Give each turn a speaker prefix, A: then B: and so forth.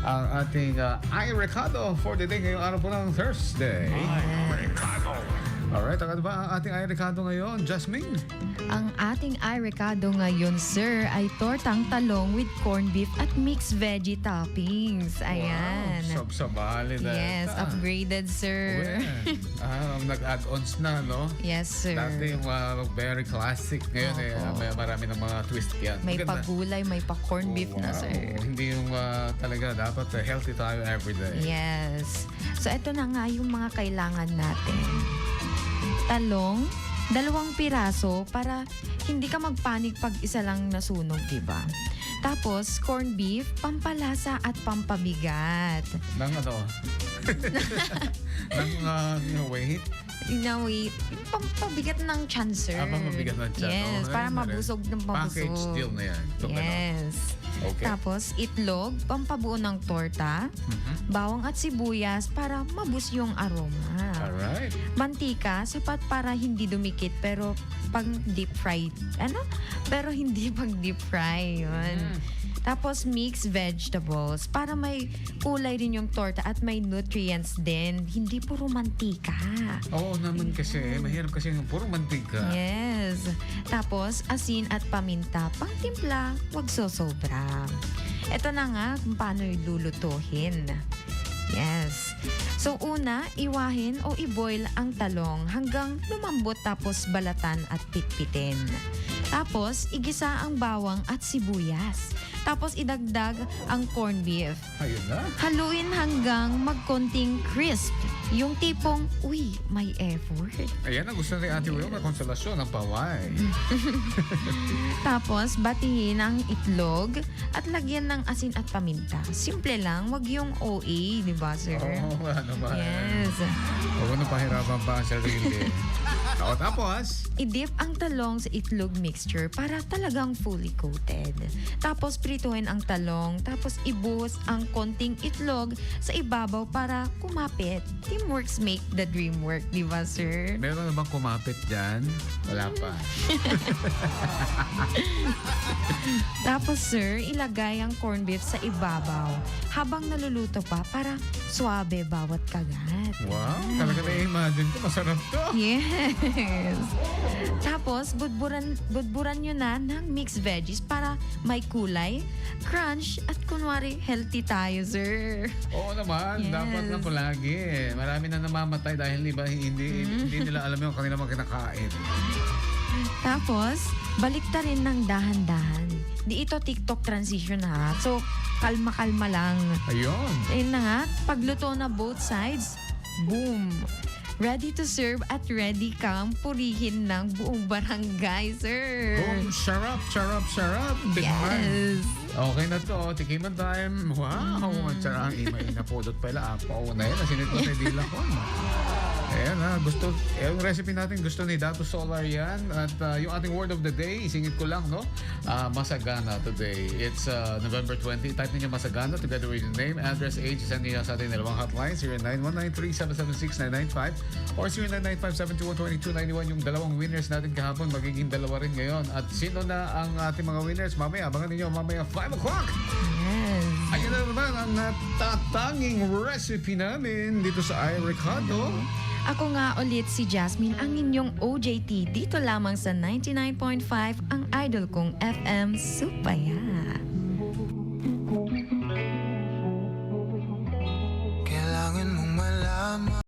A: ang ating Ay Recado for the day ngayong araw po ng Thursday.
B: Yes.
A: Alright, ano ba ang ating Ay Recado ngayon, Jasmine?
B: Ang ating ay recado ngayon, sir, ay tortang talong with corned beef at mixed veggie toppings. Ayan.
A: Wow, sabsabali na.
B: Yes, upgraded, sir.
A: Nag-add-ons na, no?
B: Yes, sir.
A: Dati yung very classic. Ngayon, may marami ng mga twist yan.
B: May
A: Maganda.
B: pagulay, may pa-corned beef na,
A: Wow.
B: sir.
A: Hindi yung talaga dapat healthy tayo everyday.
B: Yes. So, ito na nga yung mga kailangan natin. Talong, 2 piraso para hindi ka magpanik pag isa lang nasunog, diba? Tapos, corned beef, pampalasa at pampabigat.
A: Nang ano? Nang wait?
B: Wait, pampabigat ng tiyan, sir.
A: Pampabigat ng tiyan.
B: Yes,
A: Okay,
B: para mabusog ng mabusog.
A: Package deal na yan.
B: Yes.
A: Okay.
B: Tapos, itlog, pampabuo ng torta, bawang at sibuyas para mabus yung aroma.
A: Alright.
B: Mantika, sapat para hindi dumikit pero pag deep fry. Pero hindi pag deep fry. Yun. Tapos mixed vegetables para may kulay rin yung torta at may nutrients din. Hindi puro mantika.
A: Oo naman kasi. Mahirap kasi yung puro mantika.
B: Yes. Tapos asin at paminta. Pangtimpla, wag sosobra. Ito na nga kung paano ilulutuhin. Yes. So una, iwahin o i-boil ang talong hanggang lumambot tapos balatan at pitpitin. Tapos, igisa ang bawang at sibuyas. Tapos, idagdag ang corned beef.
A: Ayun na.
B: Haluin hanggang magkonting crisp. Yung tipong, uy, may effort.
A: Ayan ang gusto ni Ate Will na konsolasyon ng paway.
B: Tapos, batihin ang itlog at lagyan ng asin at paminta. Simple lang, wag yung OA, di ba, sir?
A: Oo, ano ba?
B: Yes.
A: Huwag na pahirapan pa ang sarili. O, tapos?
B: I-dip ang talong sa itlog mixture para talagang fully coated. Tapos prituhin ang talong, tapos ibuhos ang konting itlog sa ibabaw para kumapit. Teamworks make the dream work, di ba, sir?
A: Meron na bang kumapit dyan? Wala pa.
B: Tapos, sir, ilagay ang corned beef sa ibabaw habang naluluto pa para swabe bawat kagat.
A: Wow, talaga na-imagine ko. Masarap to.
B: Yes. Tapos, budburan nyo na ng mixed veggies para may kulay, crunch, at kunwari healthy tayo, sir.
A: Oo naman,
B: Yes.
A: dapat na palagi. Marami na namamatay dahil hindi nila alam yung kanilang mga kinakain.
B: Tapos, balikta rin ng dahan-dahan. Di ito TikTok transition, ha? So, kalma-kalma lang.
A: Ayun.
B: Ayun na nga, pagluto na both sides, boom! Ready to serve at ready kang purihin ng buong barangay, sir.
A: Boom, sarap, sarap, sarap. Big man.
B: Yes.
A: Okay na to, tikiman time. Wow, tsara ang imay na podot pala. Apaw na yan, nasinit mo na dila ko. Ayan ha, yung recipe natin gusto ni Dato Solar yan. At yung ating word of the day, isingit ko lang, no? Masagana today. It's November 20. Type ninyo Masagana together with your name, address, age. Send niyo sa ating dalawang hotline, 0919-3776-995 or 0995-721-2291. Yung dalawang winners natin kahapon, magiging dalawa rin ngayon. At sino na ang ating mga winners? Mamaya, abangan ninyo mamaya 5 o'clock.
B: Yes.
A: Ayan na naman ang natatanging recipe namin dito sa Ay Recado.
B: Ako nga ulit si Jasmine, ang inyong OJT dito lamang sa 99.5 ang idol kong FM Supaya.